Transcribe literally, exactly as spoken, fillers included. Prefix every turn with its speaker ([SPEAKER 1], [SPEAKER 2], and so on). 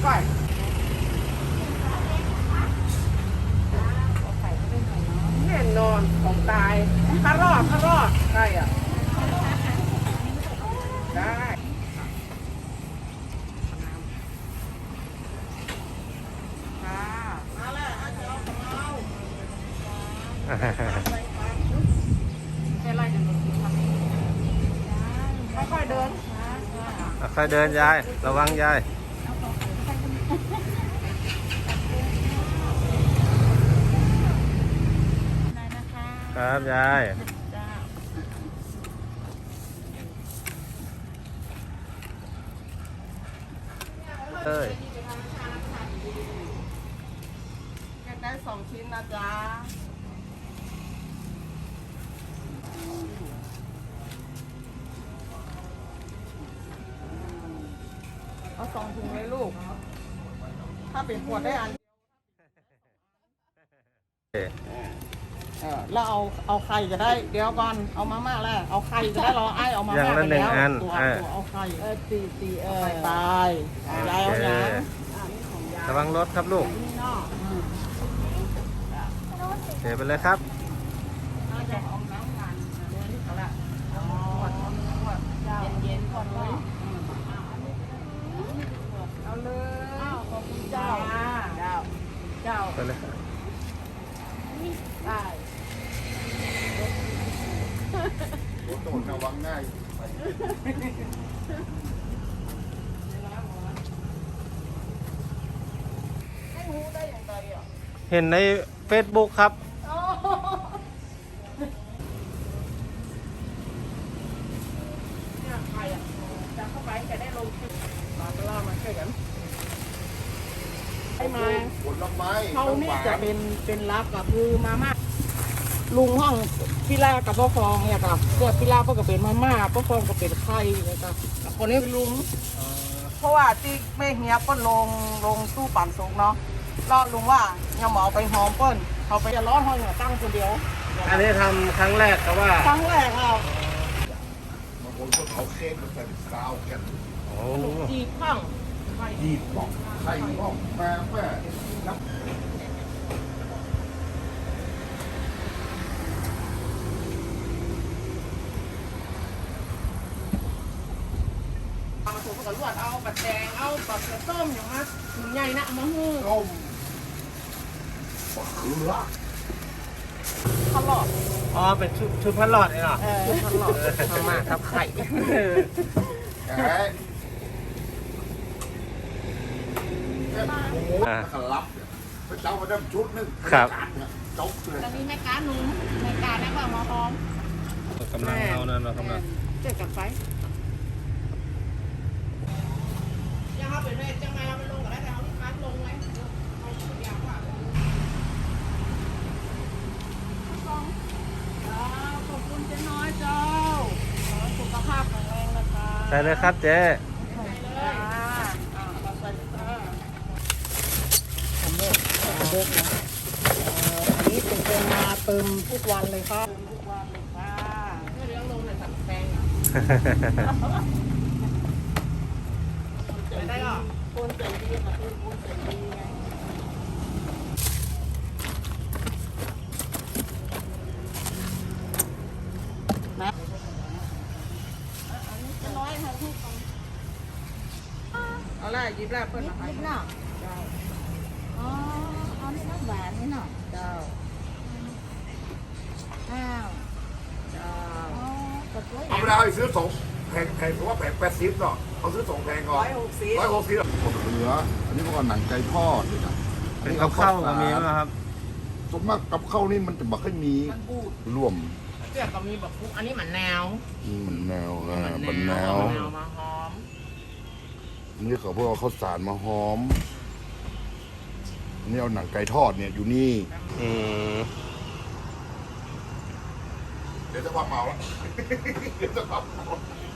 [SPEAKER 1] ก้อยแน่นอนของตายข้ารอดข้ารอดใช่อ่ะได้ค่ะมาแล้วอาจจะเอาของเราเป็นไรเดี๋ยวหนูทำเองค่อยๆเดิน
[SPEAKER 2] ค่อยเดินยายระวังยายครับยายเอ้ย
[SPEAKER 1] ได้สองชิ้นนะจ๊ะเอาสองถุงเลยลูกถ้าเป็นขวดได้อันเออแล้วเอาเอาไข่ก็ได้เดี๋ยวก่อนเอามาม่าแล้วเอาไข่ก็ได้รอไอ้เอามาม่าไปแล้วตัวตัวเอาไข่เออตีตีเออตายยายเอาอย่าง
[SPEAKER 2] ระวังรถครับลูกเดี๋ยวไปเลยครับ
[SPEAKER 1] เย็นๆก่อนเลยเอาเลยขอบคุณเจ้าเจ้าเจ้า
[SPEAKER 2] ไปเลย
[SPEAKER 1] ได้
[SPEAKER 3] รถโดดระวังง่าย
[SPEAKER 1] ให้รู้ได้อย่างไรอ่ะ
[SPEAKER 2] เห็นใน เฟซบุ๊ก ครับ
[SPEAKER 1] เนี่ยใครอ่ะจะเข้าไปจะได้ลงคลิปมาตล่ามาช่วยกันให้มา
[SPEAKER 3] ผลไม้
[SPEAKER 1] เขาเนี่ยจะเป็นเป็นรับกับคือมาม่าลุงห้องพี่ลากับพ่อฟองเนี่ยครับเสื้อพี่ลาก็ก็เป็นมาม่าพ่อฟองก็เป็นไข่นะครับคนนี้คือลุงเพราะว่าที่แม่เฮียเปิ้ลลงลงตู้ปั่นสุกเนาะรอลุงว่าอย่าหมอไปหอมเปิ้ลเขาไปจะร้อนห้องเนี่ยตั้งคนเดียว
[SPEAKER 2] อันนี้ทำครั้งแรกครับว่า
[SPEAKER 1] ครั้งแรกเรา
[SPEAKER 3] บางคนก็เอาเค้กมาใส่ซาวกัน
[SPEAKER 2] โอ้
[SPEAKER 1] จีบข้าง
[SPEAKER 3] ยีบบอกไข่บอกแม่แม่นับ
[SPEAKER 1] เอามาถูกกับลวดเอาบัดแดงเอาบัดเสือส้มอย่างนั้นถุงใหญ่นะมะฮือ
[SPEAKER 3] ต้มบักเขือ
[SPEAKER 1] ทะเลาะ
[SPEAKER 2] อ๋อเป็นชุดชุดพันหลอดเลยเหรอ
[SPEAKER 1] เออทะเลาะทำมาทับไข่
[SPEAKER 3] แกะโอ้โหขลับเนี่ยพระเจ้ามาได้ชุดนึง
[SPEAKER 2] ครับ
[SPEAKER 3] จบเลย
[SPEAKER 1] ตอนนี้แม่การหนุ่มแม่การแม่ก็มาหอม
[SPEAKER 2] กำลังเอานั่นเรากำลัง
[SPEAKER 1] เจ็ดกับไฟยังเอาไปเลยจังไงเอาไปลงกันได้แต่เอาลูกค้าลงไหมเอาอย่างว่าขอบคุณเจ๊น้อยเจ้าสุขภาพแข็งแรงนะคะ
[SPEAKER 2] ใส่เลยครับเจ๊
[SPEAKER 1] ใส่เลยเราใส่เลยผมเนี่ยเด็กนะอันนี้เป็นเป็นมาเติมทุกวันเลยครับทุกวันเลยค่ะเลี้ยงลงในสัตว์แพงไม่ได้หรอคนเสียงดีค่ะคือคนเสียงดีไงนะอันนี้จะน้อยค่ะทุกคนเอาละยิบแล้วเพิ่นมาให้ยิบเนาะอ๋อเอานี่น้ำหวานนี่เนาะเจ้าข้าวเจ้า
[SPEAKER 3] เอาไปเอาไปซื้อสองแพงแพงเพราะว่าแพงแปดสิบเนาะเอาซื้อสองแพงก่อน
[SPEAKER 1] ร้อยหกสิบ
[SPEAKER 3] ร้อยหกสิบบักเขืออันนี้พวกหนังไก่ทอดเลยนะ
[SPEAKER 2] เป็นกับข้าวก็มีไหมครับ
[SPEAKER 3] ส่วนมากกับข้าวนี่มันจะบักให้มีร่วม
[SPEAKER 1] เสื้อก็มีแบบฟุกอันนี้เหมือนแนว
[SPEAKER 3] มันแนวอ่ามันแนว
[SPEAKER 1] แนวมาหอม
[SPEAKER 3] นี่เขาพวกเอาข้าวสารมาหอมนี่เอาหนังไก่ทอดเนี่ยอยู่นี่
[SPEAKER 2] อืม
[SPEAKER 3] เดี๋ยวจะว่าเมาแล้วเดี๋ยวจะว่าเมา